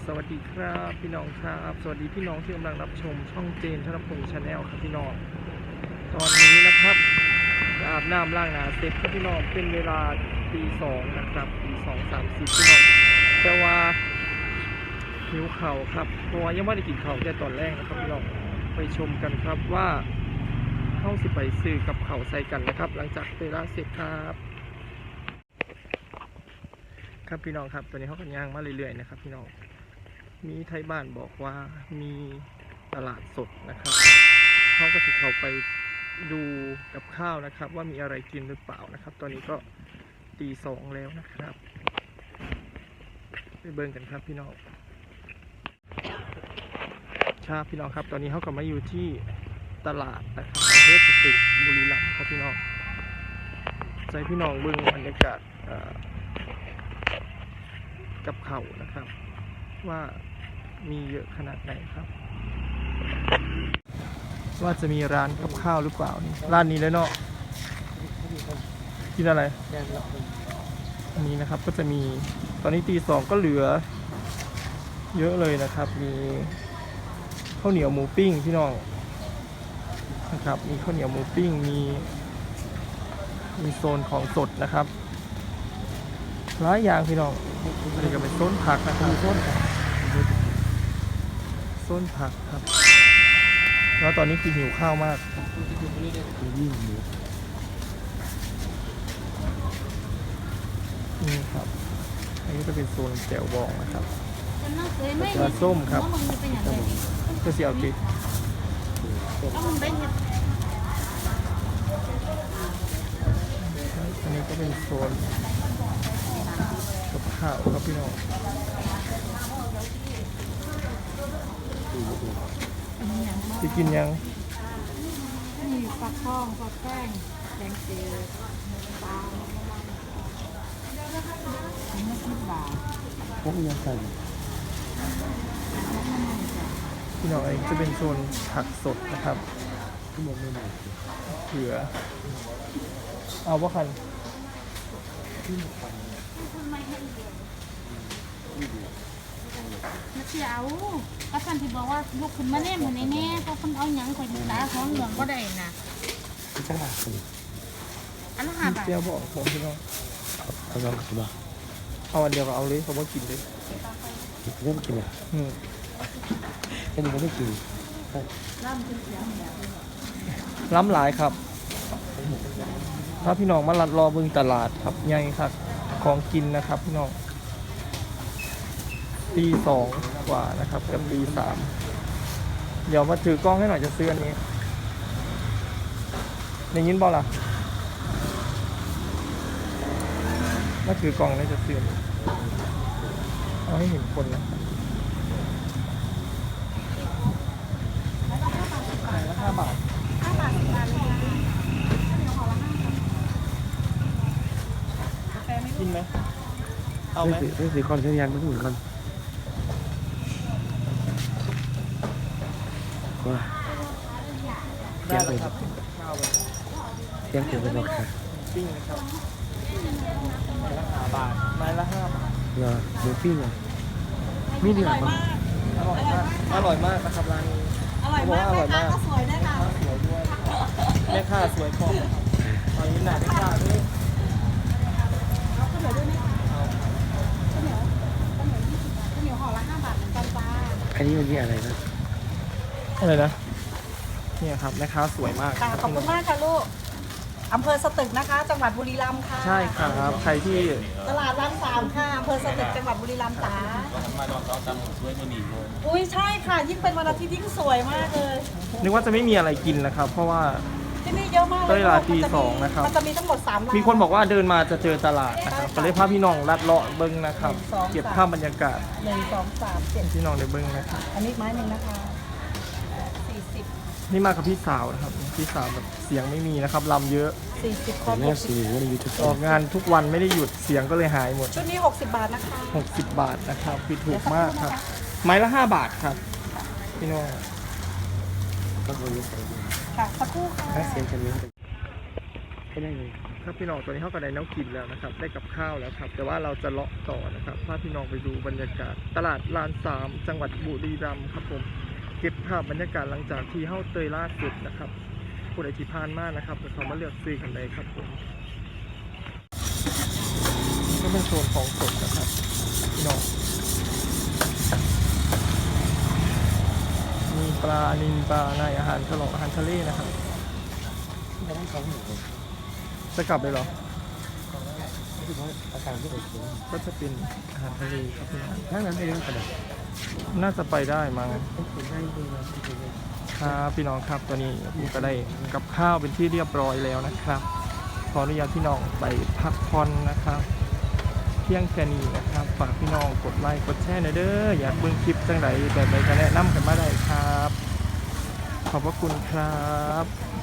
วัสดีครับพี่น้องครับสวัสดีพี่น้องที่กำลังรับชมช่องเจนธนพงษ์ชาแนลครับพี่น้องตอนนี้นะครับอาบน้ำล้างหน้าเสร็จครับพี่น้องเป็นเวลาตีสองนะครับตี2:30พี่น้องแต่ว่าหิวเข่าครับเพราะว่ายังไม่ได้กินเข่าแต่ตอนแรกนะครับพี่น้องไปชมกันครับว่าเข้าสิไปซื้อกับเข่าใส่กันนะครับ หลังจากเวลาเสร็จครับครับพี่น้องครับตอนนี้เขากันย่างมาเรื่อยๆนะครับพี่น้องมีไทยบ้านบอกว่ามีตลาดสดนะครับเขาก็ถือเขาไปดูกับข้าวนะครับว่ามีอะไรกินหรือเปล่านะครับตอนนี้ก็ตีสองแล้วนะครับไปเบิ่งกันครับพี่น้องครับพี่น้องครับตอนนี้เขากลับมาอยู่ที่ตลาดนะครับอำเภอสตึกบุรีรัมย์ครับพี่น้องใจพี่น้องเบิ่งบรรยากาศกับเขานะครับว่ามีเยอะขนาดไหนครับว่าจะมีร้านกับข้าวหรือเปล่านี่ร้านนี้เลยเนาะกินอะไรอันนี้นะครับก็จะมีตอนนี้ตีสองก็เหลือเยอะเลยนะครับมีข้าวเหนียวหมูปิ้งพี่น้องนะครับมีข้าวเหนียวหมูปิ้งมีโซนของสดนะครับหลายอย่างพี่น้องอันนี้ก็เป็นโซนผักนะครับโซนผักครับแล้วตอนนี้คือหิวข้าวมากนี่ครับอันนี้จะเป็นโซนแจ่วบองนะครับปลาส้มครับก็เสียวติดอันนี้ก็เป็นโซนกับข้าวครับพี่น้องจะกินยังมีปลาทองปลาแป้งแกงเจียวปลา10 บาทพวกยังใส่พี่น้องเองจะเป็นโซนผักสดนะครับทั้งหมดไม่หมดเผือเอาว่าคันมาเที่ยวก็ท่านที่บอกว่าลูกคุณมาแน่มาแน่ก็คนเอาหยังคอยดูตาท้องเหลืองก็ได้นะที่จังหวัดสิอันละ5 บาทเจียวบอกผมพี่น้องเอาลองกันบ้างเอาอันเดียวก็เอาเลยเขาบอกกินเลยเริ่มกินอ่ะแค่นี้ก็ไม่กินล้ำหลายครับถ้าพี่น้องมาลัดรอเบิ่งตลาดครับใหญ่ครับของกินนะครับพี่น้องตีสองกว่านะครับกับตีสามเดี๋ยวมาถือกล้องให้หน่อยจะซื้ออันนี้อย่างนี้บอล่ะมาถือกล้องแล้วจะซื้ออันนี้เอาให้เห็นคนนะ5 บาทกินไหมเอาไหมไม่สีคอนเชียงไม่ถึงกันว้าเที่ยงไปเที่ยงไปเป็นราคาปิ้งนะครับไม้ละ5 บาทไม้ละ5 บาทเหรอหมูปิ้งอ่ะมีเนื้อมั้งอร่อยมากนะครับร้านนี้อร่อยมากแม่ค้าก็สวยด้วยค่ะสวยด้วยแม่ค้าสวยพอตอนนี้หนาแม่ค้าด้วยเอาข้าวเหนียวด้วยไหมคะข้าวเหนียวห่อละ5 บาทเหมือนกันจ้าอันนี้มันมีอะไรนะอะไรนะเนี่ยครับแม่ค้าสวยมากขอบคุณมากค่ะลูกอำเภอสตึกนะคะจังหวัดบุรีรัมย์ค่ะใช่ครับใครที่ตลาดร้าน3ค่ะอำเภอสตึกจังหวัดบุรีรัมย์จ้าอุ้ยใช่ค่ะยิ่งเป็นวันอาทิตย์ยิ่งสวยมากเลยนึกว่าจะไม่มีอะไรกินนะครับเพราะว่าที่นี่เยอะมากเลยเวลาตีสองนะครับมันจะมีทั้งหมด3 ร้านมีคนบอกว่าเดินมาจะเจอตลาดนะครับก็เลยพาพี่น้องลัดเลาะเบิ้งนะครับเก็บภาพบรรยากาศ 1 2 3 7 พี่น้องในเบิ้งนะครับอันนี้ไม้หนึ่งนะคะ40 นี่มากับพี่สาวนะครับพี่สาวแบบเสียงไม่มีนะครับลำเยอะ 40 แม่สีว่าในยูทูบออกงานทุกวันไม่ได้หยุดเสียงก็เลยหายหมดชุดนี้60 บาทนะคะ 60 บาทนะครับคือถูกมากครับไม้ละ5 บาทครับพี่น้องก็บริษัทค่ะสักครู่ค่ะถ้าเสียงจะมีให้ได้เลยครับพี่น้องตอนนี้เขาก็ได้น้ำกินแล้วนะครับได้กับข้าวแล้วครับแต่ว่าเราจะเลาะต่อนะครับพาพี่น้องไปดูบรรยากาศตลาดลานสามจังหวัดบุรีรัมย์ครับผมเก็บภาพบรรยากาศหลังจากที่เข้าเตยล่าสุดนะครับผู้ใดที่ผ่านมานะครับเดี๋ยวเขามาเลือกซื้อกันเลยครับผมก็เป็นโซนของสดนะครับพี่น้องมีปลานิลปลาในอาหารฉลองอาหารทะเลนะครับไม่ต้อง2 หมื่นจะกลับเลยเหรอรู้สึกว่าอาการไม่โอเคก็จะเป็นอาหารทะเลครับพี่น้องถ้างั้นไม่ต้องกระดาษน่าจะไปได้มั้งต้องคุยง่ายจริงๆครับพี่น้องครับตอนนี้ผมก็ได้กับข้าวเป็นที่เรียบร้อยแล้วนะครับขออนุญาตพี่น้องไปพักผ่อนนะครับเที่ยงแค่นี้นะครับฝากพี่น้องกดไลค์กดแชร์หน่อยเด้ออยากเบิ่งคลิปจังไหนแบบไหนก็แนะนำกันมาได้ครับขอบพระคุณครับ